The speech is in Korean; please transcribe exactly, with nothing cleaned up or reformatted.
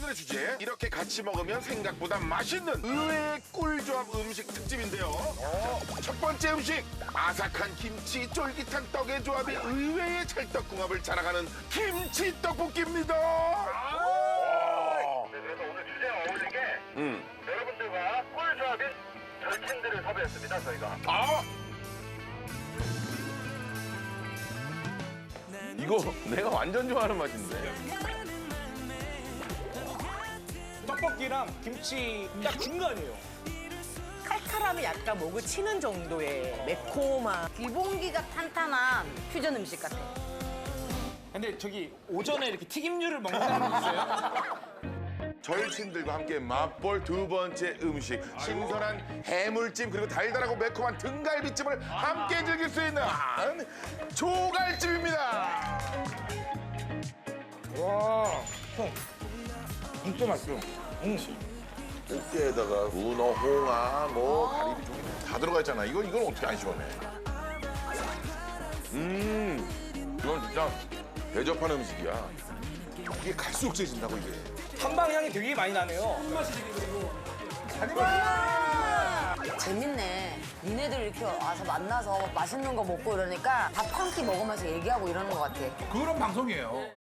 오늘의 주제 이렇게 같이 먹으면 생각보다 맛있는 의외의 꿀조합 음식 특집인데요. 자, 첫 번째 음식 아삭한 김치 쫄깃한 떡의 조합이 의외의 찰떡궁합을 자랑하는 김치 떡볶이입니다. 네, 그래서 오늘 주제와 어울리게 음. 여러분들과 꿀조합인 절친들을 섭외했습니다, 저희가. 아 이거 내가 완전 좋아하는 맛인데. 떡볶이랑 김치 딱 중간이에요. 칼칼함이 약간 목을 치는 정도의 매콤한 기본기가 탄탄한 퓨전 음식 같아. 근데 저기 오전에 이렇게 튀김류를 먹는다는 거 있어요? 절친들과 함께 맛볼 두 번째 음식 신선한 해물찜 그리고 달달하고 매콤한 등갈비찜을 함께 즐길 수 있는 조갈찜입니다. 와, 형, 진짜 맛있어. 꽃게에다가 문어, 홍어, 뭐 가리비 종이 다 들어가 있잖아. 이건 이건 어떻게 안 시원해? 음, 이건 진짜 대접하는 음식이야. 이게 갈수록 세진다고 이게. 한방 향이 되게 많이 나네요. 재밌네. 니네들 이렇게 와서 만나서 맛있는 거 먹고 이러니까 밥 한 끼 먹으면서 얘기하고 이러는 것 같아. 그런 방송이에요.